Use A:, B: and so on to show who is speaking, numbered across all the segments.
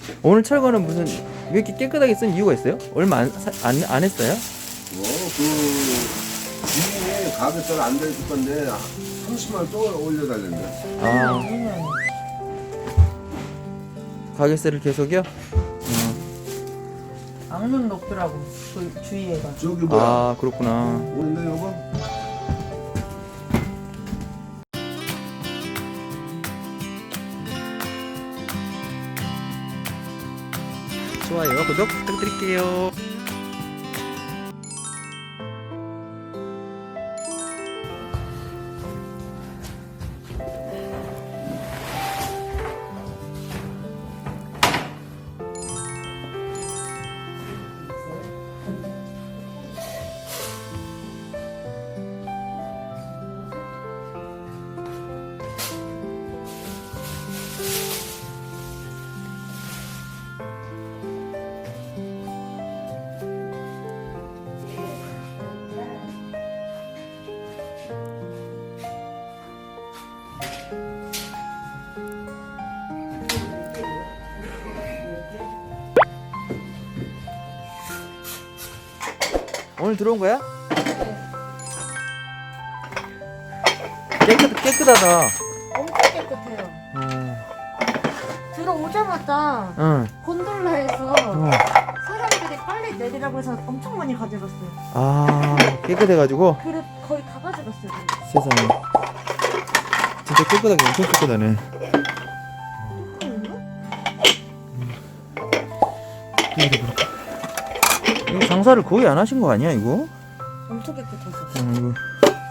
A: 오늘 철거는 무슨 왜 이렇게 깨끗하게 쓴 이유가 있어요? 얼마 안 했어요?
B: 주인이 가격대가 안 됐을 건데 30만 원 또 올려달랬네.
A: 아, 가게세를 계속이요?
C: 악명 높더라고 그 주위에가.
B: 저기 뭐야?
A: 아, 그렇구나.
B: 오는데 여보?
A: 좋아요, 구독 부탁드릴게요. 오늘 들어온 거야? 깨끗하다.
C: 엄청 깨끗해요. 들어오자마자
A: 응.
C: 곤돌라에서
A: 어.
C: 사람들이 빨리 내리라고 해서 엄청 많이 가져갔어요.
A: 아, 깨끗해가지고
C: 그래 거의 다 가져갔어요.
A: 세상에. 진짜 깨끗하게 엄청 깨끗하네. 이거 장사를 거의 안 하신 거 아니야 이거?
C: 엄청 깨끗해서.
A: 이거 무슨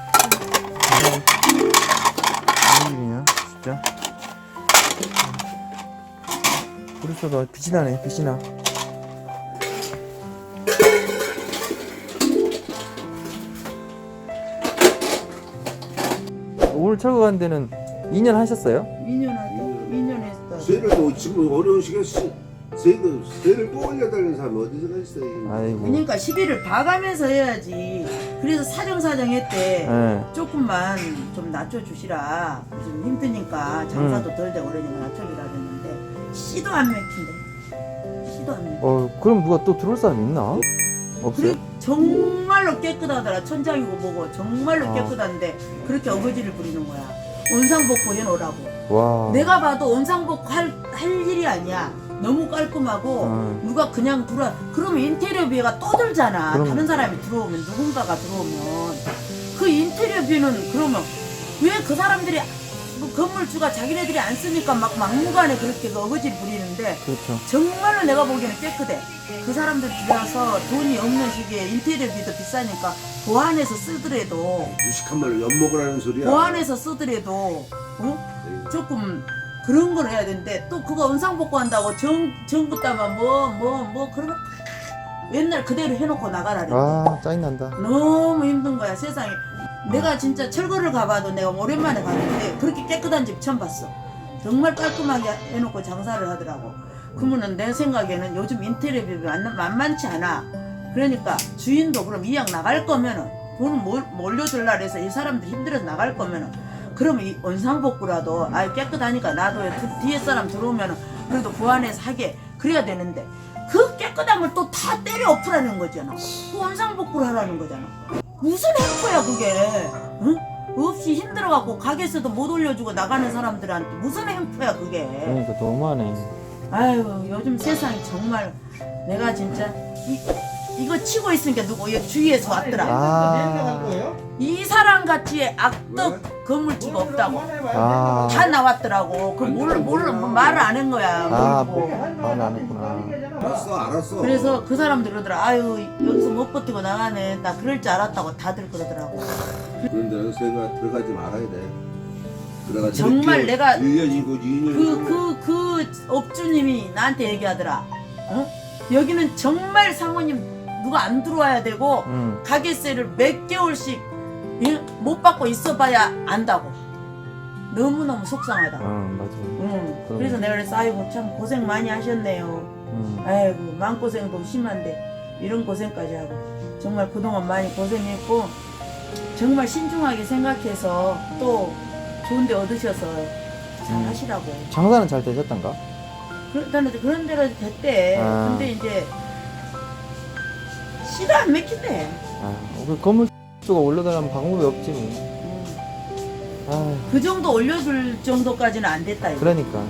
A: 일이냐 진짜. 그래서 빛이 나네, 빛이 나. 오늘 철거 간 데는 2년 하셨어요?
C: 2년 하죠. 2년 했어.
B: 세를 또 지금 어려운 시기에 세를 또 올려달라는 사람이 어디서 있어?
A: 아이고.
D: 그러니까 시비를 봐가면서 해야지. 그래서 사정사정 했대.
A: 예.
D: 조금만 좀 낮춰주시라. 좀 힘드니까 장사도 덜 되고 그러니까 낮춰주라 그랬는데 씨도 안 맥힌대. 씨도 안 맥혀.
A: 그럼 누가 또 들어올 사람 있나? 없어요?
D: 그래 정말로 깨끗하더라. 천장이고 뭐고 정말로
A: 아.
D: 깨끗한데 그렇게 어거지를 부리는 거야. 원상복구 해놓으라고.
A: 와.
D: 내가 봐도 원상복구 할 일이 아니야. 너무 깔끔하고 누가 그냥 들어와 그러면 인테리어비가 또 들잖아.
A: 그럼.
D: 다른 사람이 들어오면 누군가가 들어오면 그 인테리어비는 그러면 왜 그 사람들이 뭐 건물주가 자기네들이 안 쓰니까 막 막무가내 그렇게 그 어거지를 부리는데
A: 그렇죠.
D: 정말로 내가 보기에는 깨끗해. 그 사람들 들여서 돈이 없는 시기에 인테리어비도 비싸니까 보안해서 쓰더라도
B: 무식한 말로 엿먹으라는 소리야.
D: 보안해서 쓰더라도 조금 그런 걸 해야 되는데 또 그거 원상복구 한다고 정부 따만 뭐 그러면 옛날 그대로 해놓고 나가라 그래.
A: 아, 짜증난다.
D: 너무 힘든 거야 세상에. 내가 진짜 철거를 가봐도 내가 오랜만에 갔는데 그렇게 깨끗한 집 처음 봤어. 정말 깔끔하게 해놓고 장사를 하더라고. 그러면은 내 생각에는 요즘 인테리어비 만만치 않아. 그러니까 주인도 그럼 이왕 나갈 거면은 돈을 몰려들라 그래서 이 사람들 힘들어서 나갈 거면은 그러면 이 원상복구라도 깨끗하니까 나도 뒤에 사람 들어오면은 그래도 보완해서 하게 그래야 되는데 그 깨끗한 걸 또 다 때려 엎으라는 거잖아. 그 원상복구를 하라는 거잖아. 무슨 행포야 그게? 응? 없이 힘들어갖고 가게에서도 못 올려주고 나가는 사람들한테 무슨 행포야 그게?
A: 그러니까 너무하네.
D: 아유 요즘 세상이 정말 내가 진짜 이거 치고 있으니까 누구 주위에서 왔더라.
A: 아.
D: 이 사람 같이 악덕 건물주가 없다고
A: 아.
D: 다 나왔더라고. 그 몰라 말을 안 한 거야.
A: 아,
D: 모르고.
A: 말을 안 했구나.
B: 알았어.
D: 그래서 그 사람들 그러더라. 아유 여기서 못 버티고 나가네. 나 그럴 줄 알았다고 다들 그러더라고.
B: 그런데 새가 들어가지 말아야 돼. 들어가지.
D: 정말 내가
B: 1년이고 2년이고.
D: 그 업주님이 나한테 얘기하더라. 여기는 정말 상호님 누가 안 들어와야 되고 가게세를 몇 개월씩 못 받고 있어봐야 안다고. 너무너무 속상하다.
A: 맞아.
D: 그래서 내가 그래서 아이고 참 고생 많이 하셨네요. 아이고 마음고생도 심한데 이런 고생까지 하고 정말 그동안 많이 고생했고 정말 신중하게 생각해서 또 좋은 데 얻으셔서 잘 하시라고.
A: 장사는 잘 되셨던가?
D: 그런 대로 됐대.
A: 아.
D: 근데 이제 씨도 안 맥힌대.
A: 아, 그 건물주가 올려달라면 방법이 없지 뭐. 아,
D: 그 정도 올려줄 정도까지는 안 됐다. 이거.
A: 그러니까.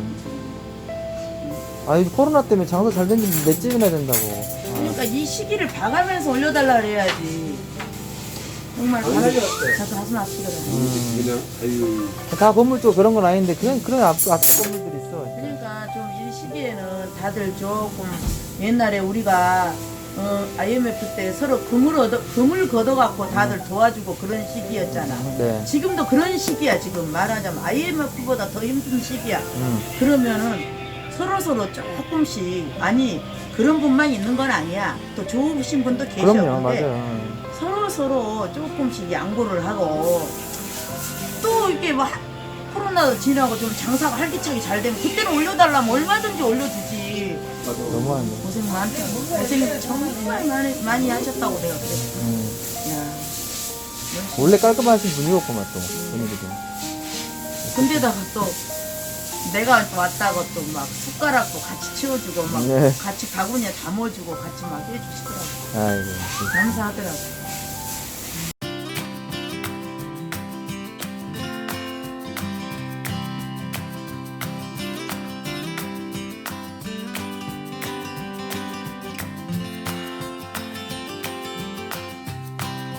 A: 아, 이 코로나 때문에 장사 잘 됐는데 맷집이나 된다고.
D: 그러니까 이 시기를 봐가면서 올려달라 그래야지. 정말 가슴 아프더라.
B: 그냥 아유
A: 다 건물주 그런 건 아닌데 그냥 그런 앞 건물들이 있어.
D: 그러니까 좀 이 시기에는 다들 조금 옛날에 우리가 IMF 때 서로 금을 걷어갖고 다들 도와주고 그런 시기였잖아.
A: 네.
D: 지금도 그런 시기야. 지금 말하자면 IMF보다 더 힘든 시기야. 그러면은 서로 조금씩 아니 그런 분만 있는 건 아니야. 또 좋으신 분도 계셔.
A: 그럼요,
D: 근데
A: 맞아요.
D: 서로 조금씩 양보를 하고 또 이렇게 막 코로나도 지나고 좀 장사가 활기차게 잘 되면 그때는 올려달라면 얼마든지 올려주지.
A: 너무하네.
D: 고생 많다. 고생 정말 많이 하셨다고 내가 그래. 야.
A: 원래 깔끔하신 분이었구만 또 분위기도.
D: 근데다가 또 내가 왔다고 또 막 숟가락도 같이 치워주고 막
A: 네.
D: 같이 바구니에 담아주고 같이 막 해주시더라고.
A: 아이고.
D: 감사하더라고.